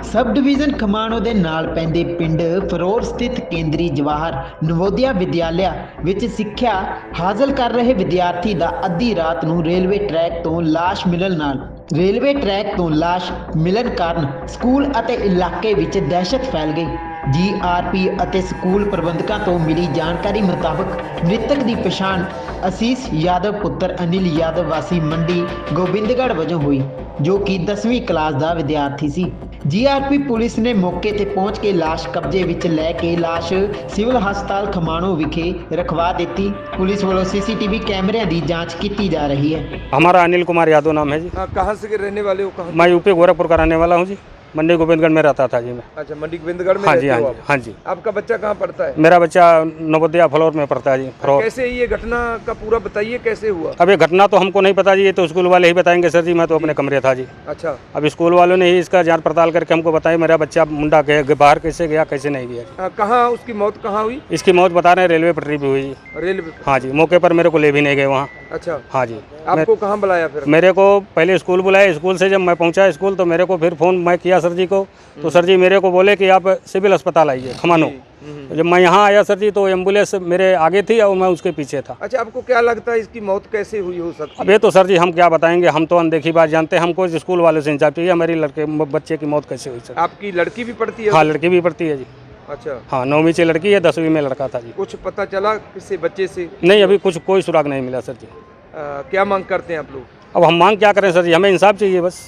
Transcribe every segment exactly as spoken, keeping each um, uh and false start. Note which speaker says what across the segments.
Speaker 1: Sub division खमाणो ਦੇ ਨਾਲ ਪੈਂਦੇ ਪਿੰਡ ਫਰੋਰ ਸਥਿਤ ਕੇਂਦਰੀ ਜਵਾਹਰ ਨਵੋਦਿਆ ਵਿਦਿਆਲਿਆ ਵਿੱਚ ਸਿੱਖਿਆ ਹਾਸਲ ਕਰ ਰਹੇ ਵਿਦਿਆਰਥੀ ਦਾ ਅੱਧੀ ਰਾਤ ਨੂੰ ਰੇਲਵੇ ਟਰੈਕ ਤੋਂ ਲਾਸ਼ ਮਿਲਣ ਨਾਲ ਰੇਲਵੇ ਟਰੈਕ ਤੋਂ ਲਾਸ਼ ਮਿਲਣ ਕਾਰਨ ਸਕੂਲ ਅਤੇ ਇਲਾਕੇ ਵਿੱਚ ਦਹਿਸ਼ਤ ਫੈਲ ਗਈ। ਜੀ ਆਰ ਪੀ ਅਤੇ ਸਕੂਲ ਪ੍ਰਬੰਧਕਾਂ ਤੋਂ ਮਿਲੀ ਜਾਣਕਾਰੀ ਮੁਤਾਬਕ ਮ੍ਰਿਤਕ ਦੀ ਪਛਾਣ ਅਸੀਸ यादव पुत्र अनिल यादव वासी मंडी गोबिंदगढ़ वजों हुई, जो कि दसवीं क्लास का विद्यार्थी सी। जी आर पी पुलिस ने मौके ते पहुंच के लाश कब्जे विच लैके लाश सिविल हस्पताल खमाणो विखे रखवा दी। पुलिस वालों सी सी टी वी कैमरे की जांच की जा रही है।
Speaker 2: हमारा अनिल कुमार यादव नाम है जी।
Speaker 3: कहाँ से रहने वाले हो? कहाँ?
Speaker 2: मैं यूपी गोरखपुर का रहने वाला हूँ जी। मंडी गोविंदगढ़ में रहता था जी मैं।
Speaker 3: अच्छा, मंडी गोविंदगढ़ में
Speaker 2: हाँ
Speaker 3: रहते
Speaker 2: जी, हाँ
Speaker 3: हो
Speaker 2: जी,
Speaker 3: आप?
Speaker 2: हाँ जी।
Speaker 3: आपका बच्चा कहाँ पढ़ता है?
Speaker 2: मेरा बच्चा नवोदया फ्लोर में पढ़ता है जी। फ्लोर।
Speaker 3: कैसे ये घटना का पूरा बताइए, कैसे हुआ?
Speaker 2: अब ये घटना तो हमको नहीं पता जी, ये तो स्कूल वाले ही बताएंगे सर जी। मैं तो अपने कमरे था जी।
Speaker 3: अच्छा,
Speaker 2: अब स्कूल वालों ने ही इसका जांच पड़ताल करके हमको बताया मेरा बच्चा मुंडा के बाहर कैसे गया कैसे नहीं गया जी।
Speaker 3: कहाँ उसकी मौत कहाँ हुई?
Speaker 2: इसकी मौत बता रहे हैं रेलवे पटरी पे हुई जी।
Speaker 3: रेलवे?
Speaker 2: हाँ जी, मौके पर मेरे को ले भी नहीं गए वहाँ।
Speaker 3: अच्छा,
Speaker 2: हाँ जी।
Speaker 3: आपको कहाँ बुलाया फिर?
Speaker 2: मेरे को पहले स्कूल बुलाया, स्कूल से जब मैं पहुंचा स्कूल तो मेरे को फिर फ़ोन मैं किया सर जी को, तो सर जी मेरे को बोले कि आप सिविल अस्पताल आइए खमानो। जब मैं यहाँ आया सर जी तो एम्बुलेंस मेरे आगे थी और मैं उसके पीछे था।
Speaker 3: अच्छा, आपको क्या लगता है इसकी मौत कैसे हुई हो सकती है?
Speaker 2: अब ये तो सर जी हम क्या बताएंगे, हम तो अनदेखी बात जानते हैं। हमको स्कूल वालों से इंसाफ चाहिए हमारी लड़के बच्चे की मौत कैसे हुई सर।
Speaker 3: आपकी लड़की भी पढ़ती है?
Speaker 2: हाँ, लड़की भी पढ़ती है जी।
Speaker 3: अच्छा,
Speaker 2: हाँ, नौवीं से लड़की है, दसवीं में लड़का था जी।
Speaker 3: कुछ पता चला किसी बच्चे से?
Speaker 2: नहीं, अभी कुछ कोई सुराग नहीं मिला सर जी।
Speaker 3: आ, क्या मांग करते हैं आप लोग?
Speaker 2: अब हम मांग क्या करें सर जी, हमें इंसाफ चाहिए बस,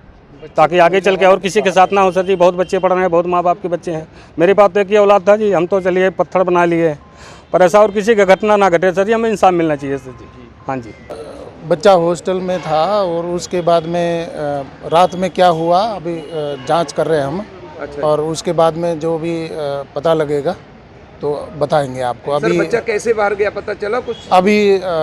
Speaker 2: ताकि आगे चल के और किसी के साथ ना हो सर जी। बहुत बच्चे पढ़ रहे हैं, बहुत माँ बाप के बच्चे हैं। मेरे पास तो एक ही औलाद था जी, हम तो चलिए पत्थर बना लिए, पर ऐसा और किसी का घटना ना घटे सर जी। हमें इंसाफ मिलना चाहिए सर जी। हाँ जी।
Speaker 4: बच्चा हॉस्टल में था और उसके बाद में रात में क्या हुआ अभी जांच कर रहे हैं हम। अच्छा। और उसके बाद में जो भी पता लगेगा तो बताएंगे आपको। अभी
Speaker 3: सर, बच्चा कैसे बाहर गया पता चला कुछ?
Speaker 4: अभी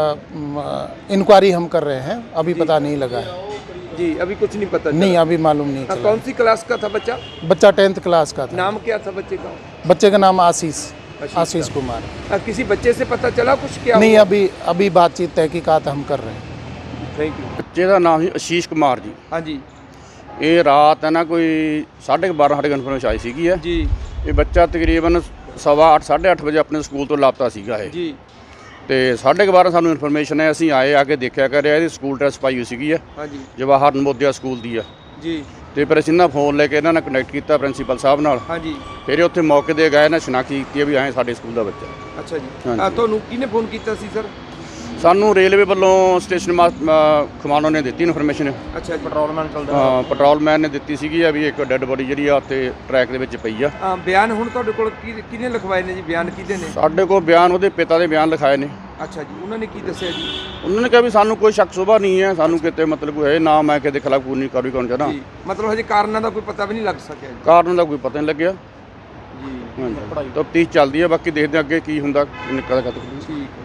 Speaker 4: इंक्वायरी हम कर रहे हैं, अभी पता नहीं लगा है
Speaker 3: जी। अभी कुछ नहीं पता?
Speaker 4: नहीं, अभी मालूम नहीं चला।
Speaker 3: कौन सी क्लास का था बच्चा?
Speaker 4: बच्चा टेंथ क्लास का था।
Speaker 3: नाम क्या था बच्चे का?
Speaker 4: बच्चे का नाम आशीष आशीष कुमार।
Speaker 3: आ, किसी बच्चे से पता चला कुछ क्या?
Speaker 4: नहीं, अभी अभी बातचीत तहकीकात हम कर रहे हैं।
Speaker 3: Thank you.
Speaker 5: बच्चे का नाम है आशीष कुमार जी।
Speaker 3: हाँ जी।
Speaker 5: ये रात है ना कोई साढ़े बारह साढ़े इन्फॉर्मेशन आई सी है
Speaker 3: जी।
Speaker 5: ये बच्चा तकरीबन सवा अठ साढ़े अठ बजे अपने स्कूल तो लापता सीगा है
Speaker 3: जी।
Speaker 5: तो साढ़े बारह सानू इन्फॉर्मेशन है, असीं आए आके देखा कर रहे स्कूल ड्रैस पाई हुई सी है।
Speaker 3: हाँ जी।
Speaker 5: जवाहर नवोदया स्कूल की है
Speaker 3: जी।
Speaker 5: तो फिर असीं ना फोन लेके इन्होंने कनैक्ट किया प्रिंसीपल साहब नाल।
Speaker 3: हाँ जी।
Speaker 5: फिर उत्थे मौके दे गए ना शनाख्ती की भी आए साडे स्कूल का बच्चा।
Speaker 3: अच्छा जी।
Speaker 5: हाँ जी।
Speaker 3: ਤੁਹਾਨੂੰ ਕਿਹਨੇ ਫੋਨ ਕੀਤਾ ਸੀ ਸਰ?
Speaker 5: सानू रेलवे वालों स्टेशन खमाणो ने दी इन्फॉर्मेशन।
Speaker 3: अच्छा, पेट्रोलमैन चलदा?
Speaker 5: हाँ, पेट्रोलमैन ने दी सी भी एक डैड बॉडी जी उत्थे ट्रैक दे विच पई आ।
Speaker 3: ਬਿਆਨ ਹੁਣ ਤੁਹਾਡੇ ਕੋਲ ਕਿਹਨੇ ਲਿਖਵਾਏ ਨੇ ਜੀ? ਬਿਆਨ ਕਿਹਦੇ ਨੇ?
Speaker 5: ਸਾਡੇ ਕੋਲ ਬਿਆਨ ਉਹਦੇ ਪਿਤਾ ਦੇ ਬਿਆਨ ਲਿਖਾਏ ਨੇ।
Speaker 3: ਅੱਛਾ ਜੀ, ਉਹਨਾਂ ਨੇ ਕੀ ਦੱਸਿਆ ਜੀ?
Speaker 5: ਉਹਨਾਂ ਨੇ ਕਿਹਾ ਵੀ ਸਾਨੂੰ ਕੋਈ ਸ਼ੱਕ ਸੁਭਾ ਨਹੀਂ ਹੈ, ਸਾਨੂੰ ਕਿਤੇ ਮਤਲਬ ਕੋਈ ਹੈ ਨਾ, ਮੈਂ ਕਿਤੇ ਖਿਲਾਫ ਕੋਈ ਨਹੀਂ ਕਾਰਵਾਈ ਕਰਨਾ ਚਾਹਣਾ।
Speaker 3: ਜੀ, ਮਤਲਬ ਹਜੇ ਕਾਰਨਾਂ ਦਾ ਕੋਈ ਪਤਾ ਵੀ ਨਹੀਂ ਲੱਗ ਸਕਿਆ ਜੀ?
Speaker 5: ਕਾਰਨ ਦਾ ਕੋਈ ਪਤਾ ਨਹੀਂ ਲੱਗਿਆ
Speaker 3: ਜੀ।
Speaker 5: ਹਾਂਜੀ, ਤਫਤੀਸ਼ ਚੱਲਦੀ ਹੈ, ਬਾਕੀ ਦੇਖਦੇ ਹਾਂ ਅੱਗੇ ਕੀ ਹੁੰਦਾ ਨਿਕਲਦਾ ਕਦ।
Speaker 3: ਠੀਕ।